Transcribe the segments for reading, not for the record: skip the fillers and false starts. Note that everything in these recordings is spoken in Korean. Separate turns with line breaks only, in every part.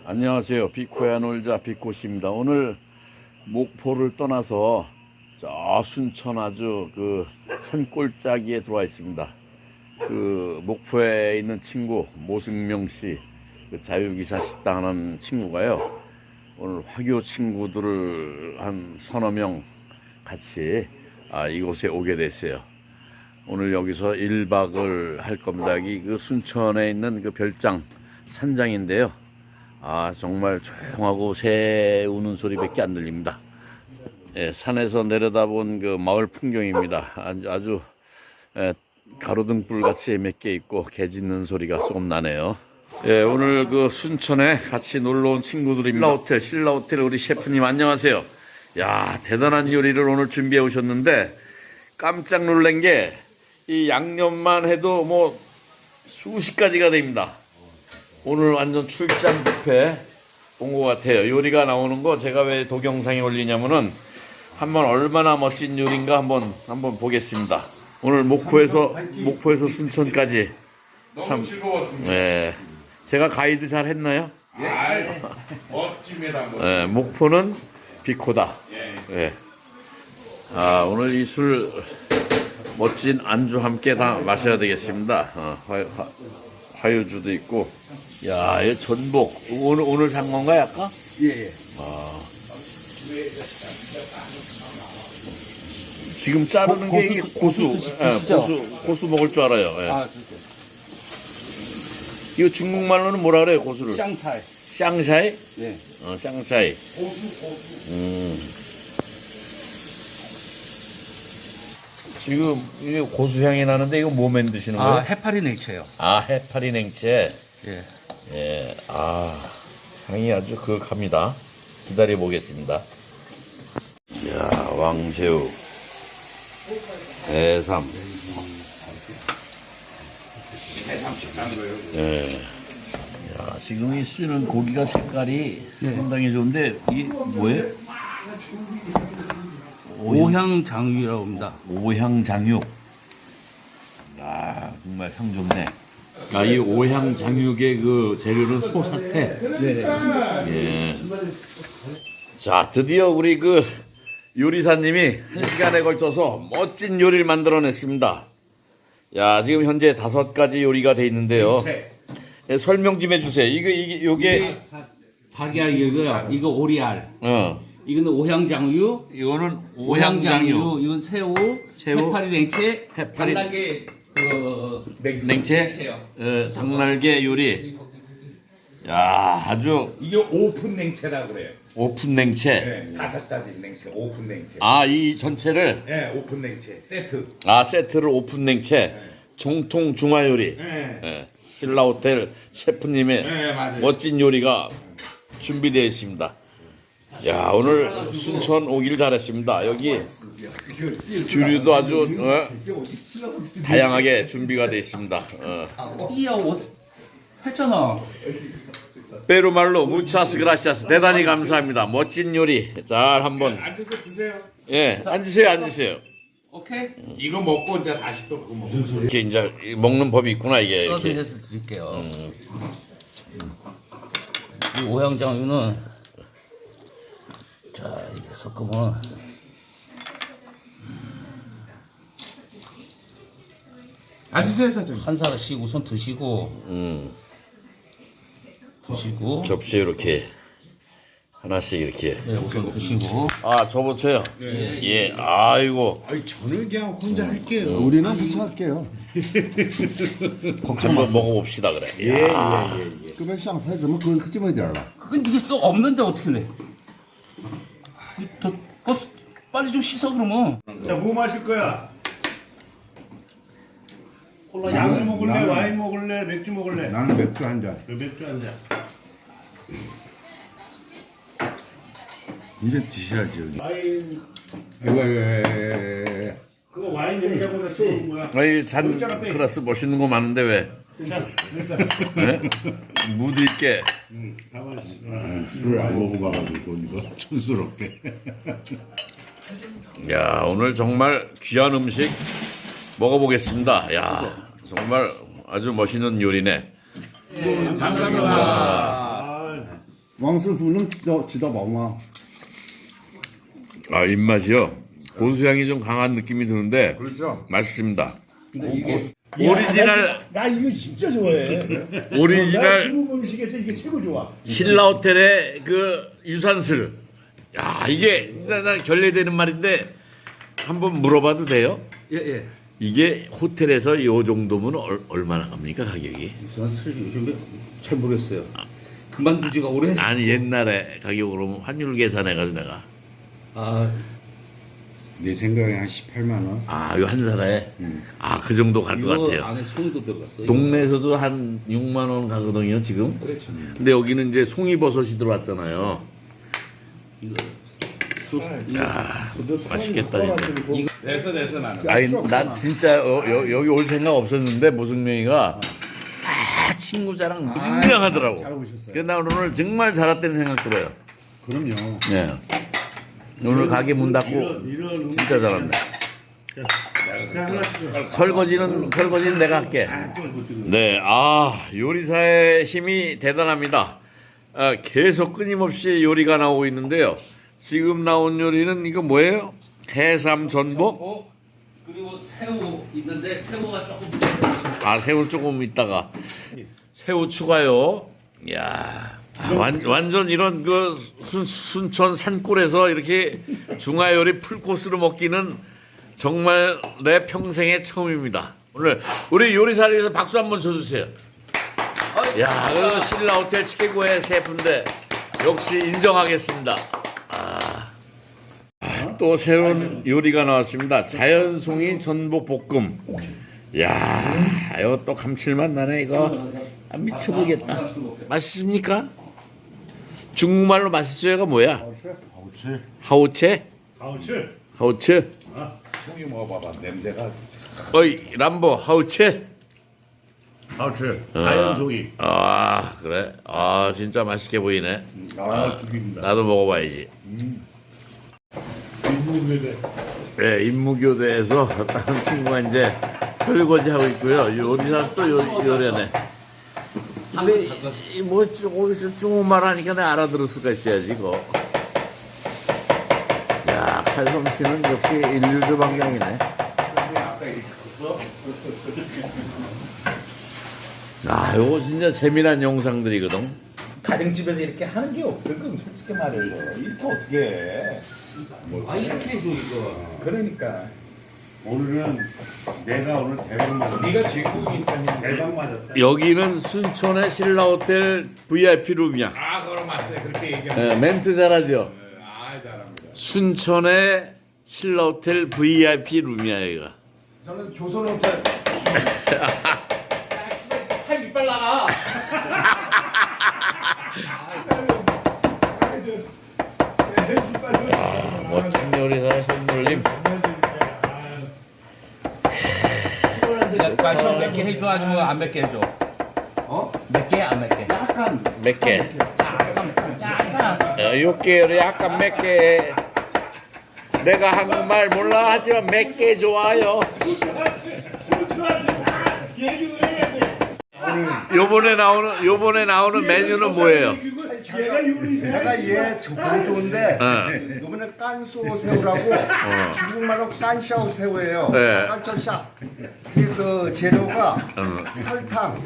안녕하세요. 비코야 놀자 비코씨입니다. 오늘 목포를 떠나서 저 순천 아주 그 산골짜기에 들어와 있습니다. 그 목포에 있는 친구 모승명 씨, 그 자유기사 식당 하는 친구가요. 오늘 화교 친구들을 한 서너 명 같이 이곳에 오게 됐어요. 오늘 여기서 1박을 할 겁니다. 여기 그 순천에 있는 그 별장 산장인데요. 정말 조용하고 새 우는 소리밖에 안 들립니다. 예, 산에서 내려다본 그 마을 풍경입니다. 아주 가로등불 같이 몇 개 있고 개 짖는 소리가 조금 나네요. 예, 오늘 그 순천에 같이 놀러 온 친구들입니다. 신라호텔 우리 셰프님 안녕하세요. 야, 대단한 요리를 오늘 준비해 오셨는데 깜짝 놀란 게 이 양념만 해도 뭐 수십 가지가 됩니다. 오늘 완전 출장 뷔페 온 것 같아요. 요리가 나오는 거 제가 왜 동영상에 올리냐면은 한번 얼마나 멋진 요리인가 한번 보겠습니다. 오늘 목포에서 순천까지
너무 즐거웠습니다.
예, 제가 가이드 잘 했나요?
예. 멋집니다.
예, 목포는 비코다. 예. 오늘 이 술 멋진 안주 함께 다 마셔야 되겠습니다. 화요주도 있고. 야, 이 전복 오늘 산 건가요, 아까?
예.
지금 자르는 게 이게 고수 먹을 줄 알아요. 예.
주세요.
이거 중국말로는 뭐라 그래요, 고수를?
쌍차이.
샹샤이?
네.
샹샤이. 지금 이게 고수향이 나는데 이거 뭐 만드시는 거예요?
해파리 냉채요.
해파리 냉채.
예.
예, 향이 아주 그윽합니다. 기다려 보겠습니다. 이야, 왕새우, 해삼. 예. 야, 지금 이 쓰는 고기가 색깔이 상당히 좋은데 이게 뭐예요?
오향장육이라고 합니다.
오향장육. 정말 향 좋네. 이 오향장육의 그 재료는 소사태.
네.
예. 자, 드디어 우리 그 요리사님이 1시간에 걸쳐서 멋진 요리를 만들어냈습니다. 야, 지금 현재 5가지 요리가 돼 있는데요. 예, 설명 좀 해주세요. 요게
달걀 이거요. 이거 오리알. 이거는 오향장육.
이거는
오향장육. 이건 새우. 해파리 냉채. 단달게
냉채. 닭날개 요리. 야, 아주
이게 오픈 냉채라 그래요.
오픈 냉채.
네, 5가지 냉채, 오픈 냉채.
이 전체를
네, 오픈 냉채 세트.
세트를 오픈 냉채. 정통 중화 요리.
네.
예, 신라호텔 셰프님의
네, 맞아요.
멋진 요리가 준비되어 있습니다. 야, 오늘 순천 오길 잘했습니다. 여기 주류도 아주 다양하게 준비가 되어 있습니다.
이야, 했잖아.
페루말로 무차스 그라시아스 대단히 감사합니다. 멋진 요리 잘 한번
앉아서 드세요.
앉으세요.
오케이.
이거 먹고 이제 다시 또 그거 먹어.
이렇게 이제 먹는 법이 있구나 이게 이렇게.
서빙해서 드릴게요. 이 오향장육은 이게 섞으면
앉으세요, 사장님.
한 사람씩 우선 드시고
접시에 이렇게 하나씩 이렇게.
네, 우선 드시고
줘보세요. 예, 아이고
저는 그냥 혼자 할게요.
우리는 부탁할게요.
한번 먹어봅시다 그래.
예.
这边上菜怎么搁这么一点了？
그건 이게 썩 없는데 어떻게 내? 더 빨리 좀 씻어 그러면.
자, 뭐 마실 거야? 양주 먹을래? 와인 먹을래? 맥주 먹을래?
나는 맥주 한 잔.
맥주 한 잔.
이제 드셔야지 여기.
와인.
이거
그거 와인 얘기하고 나 쏘는 거야.
잔 클래스 멋있는 거 많은데 왜? 네? 무드 있게.
가만 있어.
술을 안 먹어봐가지고 이거 촌스럽게.
야, 오늘 정말 귀한 음식 먹어보겠습니다. 야, 정말 아주 멋있는 요리네.
감사합니다.
王师傅能知道饱吗？
아 입맛이요. 고수향이 좀 강한 느낌이 드는데
그렇죠.
맛있습니다.
이게
오리지널
나 이거 진짜 좋아해. 나
오리지널
중국 음식에서 이게 최고 좋아.
신라 호텔의 그 유산슬. 야 이게 나 결례되는 말인데 한번 물어봐도 돼요?
예 예.
이게 호텔에서 이 정도면 얼마나 갑니까 가격이?
유수한 술 요즘에 잘 모르겠어요. 그만두지가 오래.
아니 옛날에 가격으로 환율 계산해가지고 내가
내 생각에 한 18만 원.
이거 한 사람에 그 정도 갈 것
이거
같아요.
안에 송이도 들어갔어요.
동네에서도 한 6만 원 가거든요 지금.
그렇죠.
근데 여기는 이제 송이버섯이 들어왔잖아요.
이거 소스.
맛있겠다 진짜.
됐어 나는.
아니 나 진짜 여기 올 생각 없었는데 모승명이가 친구 자랑 분명하더라고.
잘 오셨어요.
그래서 나 오늘 정말 잘 왔다는 생각 들어요.
그럼요.
네. 오늘 가게 문 닫고
이런
진짜 잘한다. 설거지는 내가 할게. 네, 요리사의 힘이 대단합니다. 계속 끊임없이 요리가 나오고 있는데요. 지금 나온 요리는 이거 뭐예요? 해삼 전복?
그리고 새우 있는데 새우가 조금 부족해요.
새우 조금 있다가 새우 추가요. 이야. 완전 이런 그 순천 산골에서 이렇게 중화요리 풀코스로 먹기는 정말 내 평생의 처음입니다. 오늘 우리 요리사를 위해서 박수 한번 쳐주세요. 야, 그 신라 호텔 최고의 셰프인데 역시 인정하겠습니다. 또 새로운 요리가 나왔습니다. 자연송이 전복 볶음. 야, 이거 또 감칠맛 나네 이거. 미쳐보겠다. 맛있습니까? 중국말로 맛있어요가 뭐야? 하오체? 하오체?
송이 먹어봐봐. 냄새가.
어이 람보 하오체?
하우츠 자연송이.
그래? 진짜 맛있게 보이네.
죽입니다.
나도 먹어봐야지. 네, 임무교대에서 다른 친구가 이제 설거지 하고 있고요. 요리사 또 요리하네. 근데 뭐 거기서 중국말 하니까 내가 알아들을 수가 있어야지 이거. 야, 칼솜씨는 역시 인류주 방향이네. 요거 진짜 재미난 영상들이거든.
가정집에서 이렇게 하는 게 없거든. 솔직히 말해서 이렇게 어떻게 해?
이렇게 해줘 이거.
그러니까.
오늘은 내가 오늘 대박 맞았다.
네가 제국이니까
대박 맞았다.
여기는 순천의 신라호텔 VIP 룸이야.
그럼 맞어요. 그렇게 얘기하면.
멘트 잘하죠?
잘합니다.
순천의 신라호텔 VIP 룸이야 여기가.
저는 조선 호텔.
팔 이빨 나가.
멋진 요리사 손놀림.
가시 몇개 해줘 아니면 안 몇 개 해줘? 몇 개 안 몇 개?
약간
몇 개?
약간.
요 개를 약간 몇 개. 내가 한국말 몰라 하지만 몇 개 좋아요. 요번에 나오는 메뉴는 뭐예요?
내가 얘 보기 좋은데 이번에 깐소 새우라고 중국말로 깐샤오 새우예요.
네.
깐쇼샤. 그 재료가 설탕,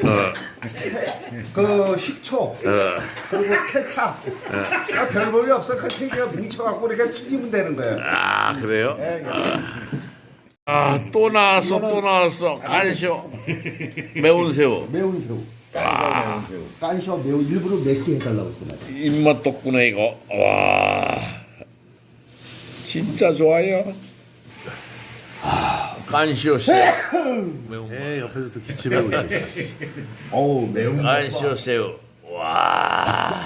그 식초, 그리고 케찹. 별 볼이 없어. 그 세 개가 뭉쳐갖고 이렇게 튀기면 되는 거예요.
그래요? 또 나왔어. 간쇼. 매운 새우.
매운 새우. 깐쇼 매운 새우. 깐쇼 매운 일부러 맵게 해달라고 했어요.
입맛 돋구네 이거. 와, 진짜 좋아요. 깐쇼 새우. 매운 거.
옆에서 또 기침하고 있어.
어우 매운.
깐쇼 새우. 와.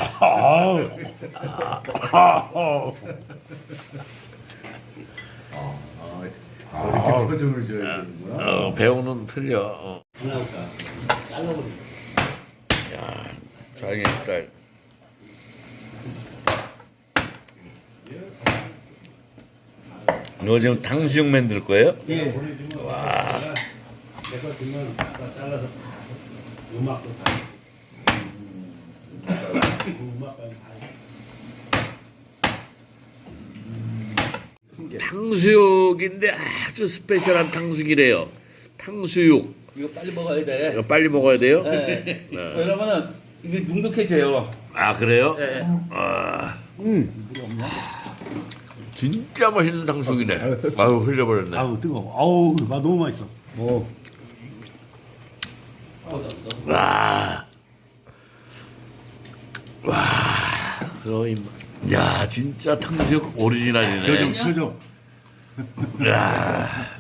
저렇게 표정을 줘야 되는구나.
배우는 틀려. 야, 장인 스타일. 너 지금 탕수육 만들 거예요?
예.
와.
내가 그냥 잘라서 음악도
탕수육인데 아주 스페셜한 탕수육이래요. 탕수육.
이거 빨리 먹어야 돼.
이거 빨리 먹어야 돼요?
네. 왜냐면은 이게 눅눅해져요.
아 그래요?
네.
아. 진짜 맛있는 탕수육이네. 아유 흘려버렸네.
아우 뜨거워. 아우 맛 너무 맛있어.
뭐
와. 와. 거의 야 진짜 탕수육 오리지널이네.
표정.
야.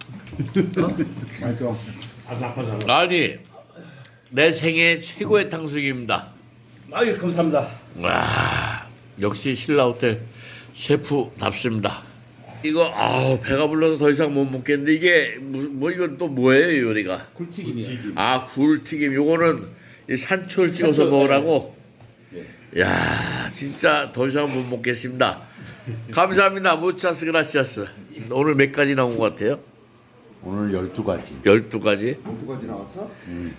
맛있어.
아삭아삭.
아니 내 생애 최고의 탕수육입니다.
아유 감사합니다.
와. 역시 신라호텔 셰프답습니다. 이거 배가 불러서 더 이상 못 먹겠는데 이게 뭐 이건 또 뭐예요 요리가?
굴튀김이요.
아 굴튀김 요거는 이 산초를 찍어서
산초,
먹으라고. 야 진짜 더 이상 못 먹겠습니다. 감사합니다. 무차스 그라시아스. 오늘 몇 가지 나온 것 같아요?
오늘 12가지.
12가지?
두 가지 나왔어?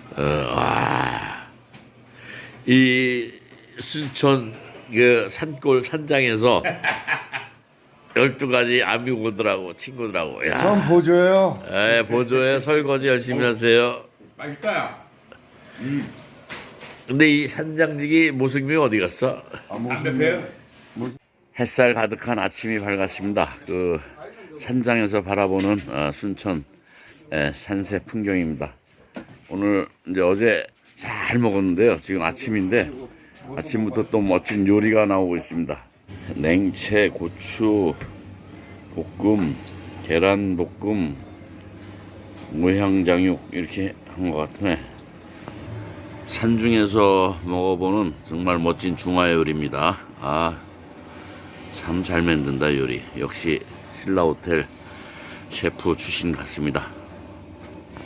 이 순천 그 산골 산장에서 12가지 아미고들하고 친구들하고 야.
전 보조예요.
보조에 설거지 열심히 하세요.
맛있다.
근데 이 산장직이 모승미 어디 갔어?
담배 배요?
햇살 가득한 아침이 밝았습니다. 그 산장에서 바라보는 순천 산세 풍경입니다. 오늘 이제 어제 잘 먹었는데요. 지금 아침인데 아침부터 또 멋진 요리가 나오고 있습니다. 냉채, 고추, 볶음, 계란 볶음, 모향장육 이렇게 한 것 같네. 산중에서 먹어보는 정말 멋진 중화 요리입니다. 참 잘 만든다 요리. 역시 신라호텔 셰프 출신 같습니다.